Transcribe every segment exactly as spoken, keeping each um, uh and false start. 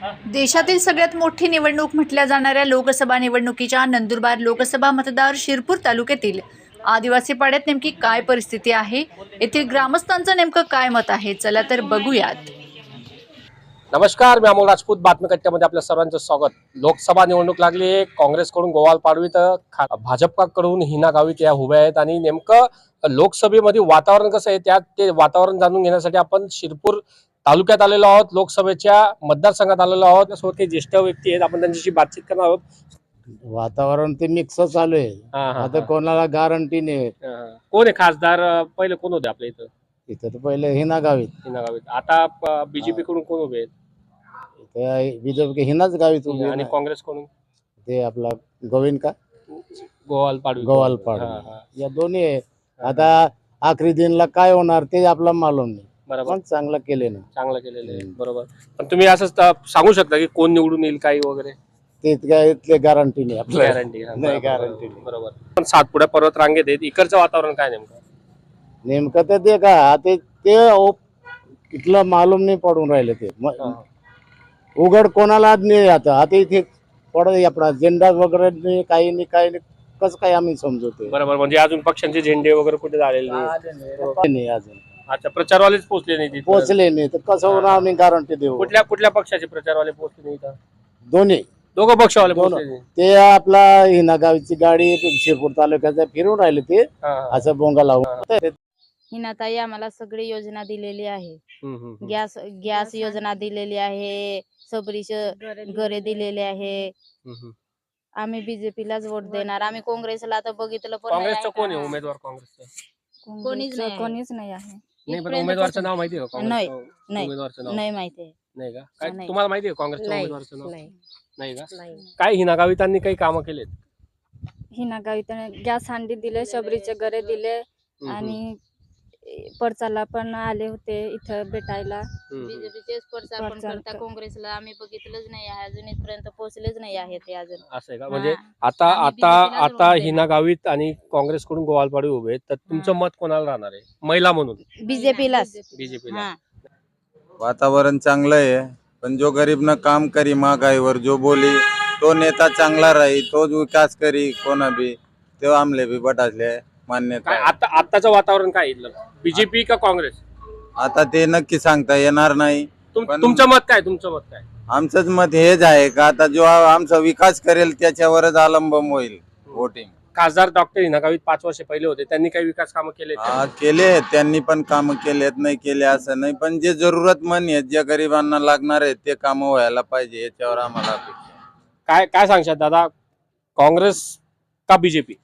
देशातील सगळ्यात मोठी निवडणूक म्हटल्या जाणाऱ्या लोकसभा निवडणुकीच्या नंदुरबार लोकसभा मतदार शिरपूर तालुक्यातील आदिवासी पाड्यात नेमकी काय परिस्थिती आहे, येथील ग्रामस्थांचं नेमकं काय मत आहे, चला तर बघूयात। नमस्कार, मी अमोल राजपूत बातमी कट्ट्यामध्ये आपल्या सर्वांचं स्वागत। लोकसभा निवडणूक लागली आहे। काँग्रेसकडून गोवाल पाडवी तर भाजपकडून हिना गावित या उभ्या आहेत आणि नेमकं लोकसभेमध्ये वातावरण कसं आहे त्यात ते वातावरण जाणून घेण्यासाठी आपण शिरपूर तालुक्यात आलेलो आहोत, लोकसभेच्या मतदारसंघात आलेलो आहोत। त्यासोबत काही ज्येष्ठ व्यक्ती आहेत, आपण त्यांच्याशी बातचीत करणार आहोत। वातावरण ते मिक्स चालू आहे। हा, हा, आता हा. कोणाला गॅरंटी नाही। हा. कोण आहे खासदार? पहिले कोण होते आपल्या इथं? इथं तर पहिले हिना गावीत, हिना गावित। आता बीजेपी कडून कोण उभे आहेत? इथं बीजेपी हिनाच गावीत उभी आहे आणि ना। काँग्रेसकडून ते आपला गोविंद का गोवाल पाडवी गोवाल हा, पाडवी हा. या दोन्ही आहे। आता आखरी दिनला काय होणार ते आपला मालूम नाही, बरोबर, पण चांगलं केले ना। चांगलं केलेलं आहे। हम्म. बरोबर, पण तुम्ही असं sta- सांगू शकता की कोण निवडून येईल काही वगैरे? ते काय इथले गॅरंटी नाही आपल्याला, गॅरंटी नाही गॅरंटी नाही। बरोबर। पण सातपुड्या पर्वत रांगेत आहेत, इकडचं वातावरण काय नेमकं? नेमकं तर ते का ते ते ओ- इथलं मालूम नाही पडून राहिले ते म- उघड कोणाला नाही। आता आता इथे पड आपला झेंडा वगैरे नाही, काही नाही, काही नाही, कसं काय आम्ही समजवते बरोबर, म्हणजे अजून पक्षांचे झेंडे वगैरे कुठे झालेले नाही? नाही अजून अच्छा, प्रचारवालेच पोहोचले नाही तिथे? पोहोचले नाही तर कसं होणार आम्ही गॅरंटी देऊ? कुठल्या कुठल्या पक्षाचे प्रचारवाले पोहोचले नाही इथं? दोन्ही दोघं पक्षवाले दोन पोहोचले नाही? ते आपला हिना गावची गाडी शिरपूर तालुक्याचा फिरून राहिले ते हा, हा. असं बोंगा लावून। हिनाताई आम्हाला सगळी योजना दिलेली आहे। हम्म, हम्म, हम्म. गॅस गॅस योजना दिलेली आहे, सबरीच घरे दिलेले आहे। हम्म, हम्म. आम्ही बीजेपीलाच वोट देणार। आम्ही काँग्रेसला तर बघितलं पण नाही काँग्रेसचं कोण आहे का? उमेदवार? काँग्रेसचं कोणीच नाही आहे. कोणीच नाही आहे। नाही, पण इथपर्यंत उमेदवारचं कसं- नाव माहिती आहे का नाही, काँग्रेसचं? नाही. उमेदवारचं नाव नाही माहिती आहे। नाही का? काय नाही. तुम्हाला माहिती आहे काँग्रेसच्या नाही, उमेदवारचं नाव? नाही, नाही का? नाही. काय हिना गावितांनी काही कामं केलेत? हिना गावित गॅस हांडी दिले, शबरीचे घरे दिले हम्म, हम्म. आणि परचाला पण आले होते इथं भेटायला। हम्म, हम्म. बीजेपीचेच प्रचार पण प्रचार करता, कर- काँग्रेसला आम्ही बघितलंच नाही आहे अजून, इथपर्यंत पोहोचलेच नाही आहे ते अजून। असं आहे का? म्हणजे हा. आता आम्ही आता BJP लाच आता वोट हिना देणार. गावित आणि काँग्रेसकडून गोवालपाडी उभे आहेत, तर तुमचं हा. मत कोणाला राहणार आहे महिला म्हणून? बीजेपीलाच। बीजेपीला. हा. वातावरण चांगलं आहे, पण जो गरीब न काम करी महागाईवर जो बोली तो नेता चांगला राही, तोच विकास करी कोणा बी, तो आमले बी बटासले मान्यता काय आहे. आता आताचं वातावरण काय इथलं? बीजेपी का काँग्रेस? आता ते नक्की सांगता येणार नाही। तुम- पण- तुमचं मत काय? तुमचं मत काय? आमचंच मत हेच आहे का आता जो आमचा विकास करेल त्याच्यावरच अवलंबून होईल वोटिंग। खासदार डॉक्टर हिना गावित पाच वर्ष पहिले होते, त्यांनी काही विकास कामं केले? हा, केले त्यांनी पण काम केलेत, नाही केले असं नाही, पण जे जरूरतमंद आहेत, जे गरिबांना लागणार आहेत ते काम व्हायला पाहिजे, याच्यावर आम्हाला अपेक्षा आहे. काय काय सांगशात दादा, काँग्रेस का बीजेपी?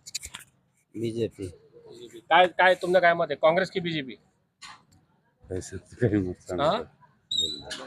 बीजेपी काय काय तुमचं काय मत आहे, काँग्रेस की बीजेपी?